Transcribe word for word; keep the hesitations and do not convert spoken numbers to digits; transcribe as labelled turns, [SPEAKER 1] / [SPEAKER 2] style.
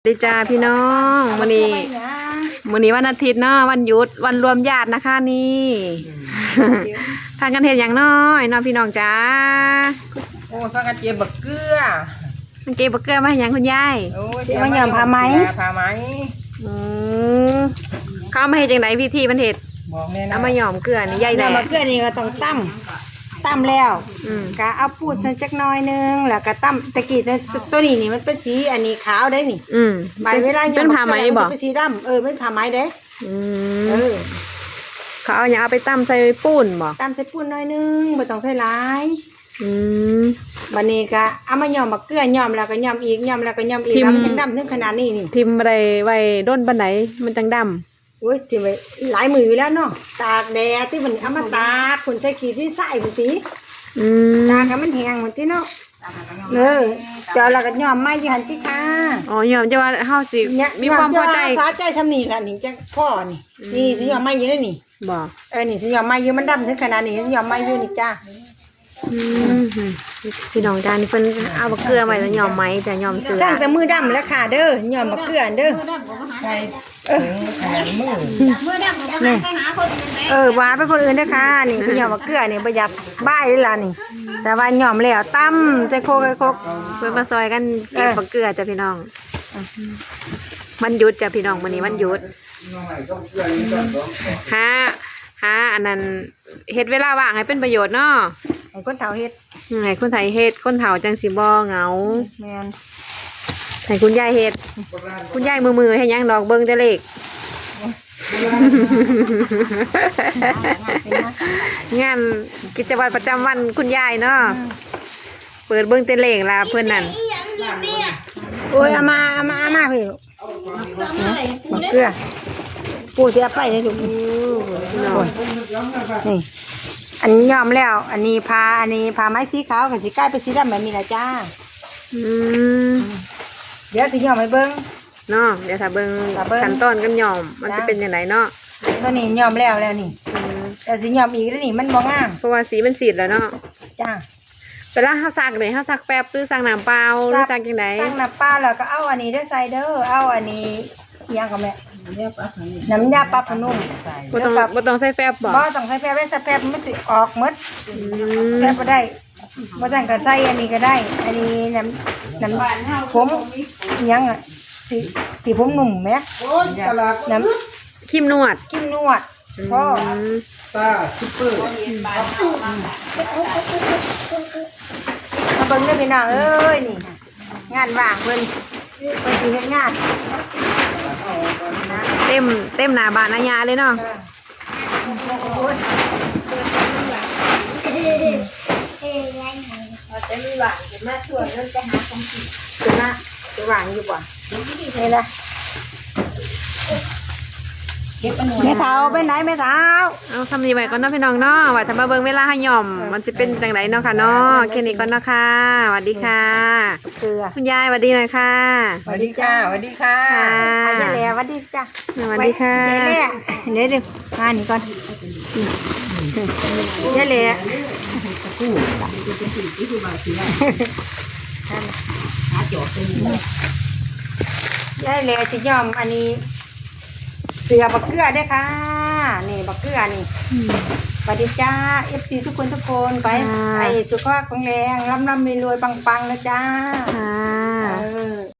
[SPEAKER 1] ดีจ้าพี่น้องวันนี้วันนี้วันอาทิตย์เนาะวันหยุดวันรวมญาตินะคะนี่ทางกันเห็นอย่างน้อยเนาะพี่น้องจ้า
[SPEAKER 2] โอ้ทางกันเจี๊ยบบักเกลือ
[SPEAKER 1] มันเก็บบักเกลือมาให้ยังคุณยาย
[SPEAKER 2] โอ้เจี๊ยบมันยอมพาไหมพาไหม
[SPEAKER 1] อืมเข้ามาให้จังไหนพี่ที่มันเห็ด
[SPEAKER 2] บอกแน่นะ
[SPEAKER 1] เอามาหย่อมเกลือนี่ใหญ่แหล่
[SPEAKER 3] บักเกลือนี่ก็ต้องตั้มตั้มแล้วก็เอาปูดใส่จักน้อยนึงแล้วก็ตั้มตะกี้ตัวนี้นี่มันเป็นสีอันนี้ขาวได้นี่
[SPEAKER 1] อืม
[SPEAKER 3] ใบเวลา
[SPEAKER 1] เป็นผ้าไหมบอก
[SPEAKER 3] เป็นสีดำเออเป็นผ้าไหมเด้
[SPEAKER 1] อืมเออเขาเอาอย่างเอาไปตั้มใส่ปูนบอก
[SPEAKER 3] ตั้มใส่ปูนน้อยนึงไม่ต้องใส่หลาย
[SPEAKER 1] อืม
[SPEAKER 3] บัดนี้ก็เอามาหย่อมบักเกลือหย่อมแล้วก็หย่อมอีกหย่อมแล้วก็หย่อมอีกแล้วมันยังดำถึงขนาดนี้นี่
[SPEAKER 1] ทิมอะไรไว้ด้นปันไหนมันจังดำ
[SPEAKER 3] โอ้ยทิมไว้หลายมือแล้วเนาะตากแดดที่มันเอามาตากคนใส่ขี้ที่ใส่คนสีตากให้มันแห้งเหมือนที่เนาะเออเจ้าเราก็ยอมไม่ยืนที่ค่ะ
[SPEAKER 1] อ๋อยอมจะว่าเฮาสิมีความพอใจ
[SPEAKER 3] สาใจทำนี่ละนี่จังพ่อนี่นี่สิยอมไม่ยืนนี่
[SPEAKER 1] บอก
[SPEAKER 3] เออนี่สิยอมไม่ยืนมันดำถึงขนาดนี้สิยอมไม่ยืนนี่จ้า
[SPEAKER 1] พี่น้องจ้านี่เพิ่นเอาบักเกลือไว้แล้วยอมไหมแต่ยอมเสือ
[SPEAKER 3] จ้างแต่มือดำแล้วค่ะเด้อยอมบักเกลือเด้อ
[SPEAKER 2] ใช่เออขนาดมือ
[SPEAKER 3] มือดำนี่เออว่าไปคนอื่นเด้อค่ะนี่คือยอมบักเกลือนี่ประหยัดบ้ายเลยล่ะนี่แต่ว่ายอมแล้วตั้มใจโคกโคก
[SPEAKER 1] เพื่อมาซอยกันเก็บบักเกลือจ้ะพี่น้องมันหยุดจ้ะพี่น้องวันนี้วันหยุดฮะฮะอันนั้นเฮ็ดเวลาว่างให้เป็นประโยชน์เนาะ
[SPEAKER 3] ให้คนเฒ่าเฮ็ด
[SPEAKER 1] ให้คนไทยเฮ็ดคนเฒ่าจังสิบ่เหงา
[SPEAKER 3] แม่น
[SPEAKER 1] ให้คุณยายเฮ็ดคุณยายมือๆให้ยังดอกเบิ่งแต่เลขงานกิจวัตรประจำวันคุณยายเนาะเปิดเบิ่งแต่เลขล่ะเพิ่นนั่น
[SPEAKER 3] โอ้ยเอามาเอามาเอามาพี่บักเกลือปูเสียไปเลยลูกนี่อันนี้ยอมแล้วอันนี้พาอันนี้พาไม้สีขาวกับสีใกล้เป็นสีดำแบบนี้ละจ้า
[SPEAKER 1] อืม
[SPEAKER 3] เดี๋ยวสียอมให้เบิ้ง
[SPEAKER 1] เนาะเดี๋ยวถ้าเบิ้งขั้นตอนกันยอมมันจะเป็นยังไงเนาะ
[SPEAKER 3] ตัวนี้ยอมแล้วแล้วนี่แต่สียอมอีกแล้วนี่มันมองง่าย
[SPEAKER 1] เพราะว่าสีมันสีดแล้วเนาะ
[SPEAKER 3] จ้า
[SPEAKER 1] แต่ละเขาซักเลยเขาซักแป๊บหรือซักน้ำเปล่าหรือซักยังไง
[SPEAKER 3] ซักน้ำเปล่าแล้วก็เอาอันนี้ได้ใส่เด้อเอาอันนี้ยังกับแม่น้ำยาปลาผนุ่ม
[SPEAKER 1] บ่ต้องบ่ต้องใส่แฟบบ่
[SPEAKER 3] บ่ต้องใส่แฟบได้ใส่แฟบมันสิออกหมดแฟบก็ได้บ่ต้องก็ใส่อันนี้ก็ได้อันนี้น้ำน้ำผมยังอ่ะสีสีผมหนุ่มไหมน้
[SPEAKER 1] ำครีมนวด
[SPEAKER 3] ครีมนวดพ่อ
[SPEAKER 2] ตาซุปเปอร์
[SPEAKER 3] มาเบิ่งได้พี่น้องเอ้ยนี่งานว่างเพิ่นเพิ่นสิเฮ็ดงาน
[SPEAKER 1] เต็มเต็มหน้าบ้านอาญาเลยเนาะ
[SPEAKER 3] จะมีหวานจะมาชวนเริ่มจะหาของกินจะมาจะหวานอยู่บ่นี่นะแม่เท้าไปไหนแม่เท้า
[SPEAKER 1] เอาทำดีไว้ก่อนเนาะพี่น้องเนาะว่าถ้ามาเบิ่งเวลาให้ย่อมมันจะเป็นจังไรเนาะค่ะเนาะแค่นี้ก่อนเนาะค่ะสวัสดีค่ะคุณยายสวัสดีหน่อยค่ะ
[SPEAKER 2] สวัสดีค่ะสวัสดีค่ะ
[SPEAKER 3] อาจารย์แหล่สวัสดีจ้ะ
[SPEAKER 1] สวัสดีค่ะ
[SPEAKER 3] เดี๋ยวเดี๋ยวเดี๋ยวมาหนิก่อนเดี๋ยวแหล่ยายแหล่จะยอมอันนี้เสือบักเกลือได้ค่ะนี่บักเกลือนี่สวัสดีจ้าเอฟซีทุกคนทุกคนไปไอ้สุขภาพแข็งแรงร่ำร่ำรวยปังปังนะจ้า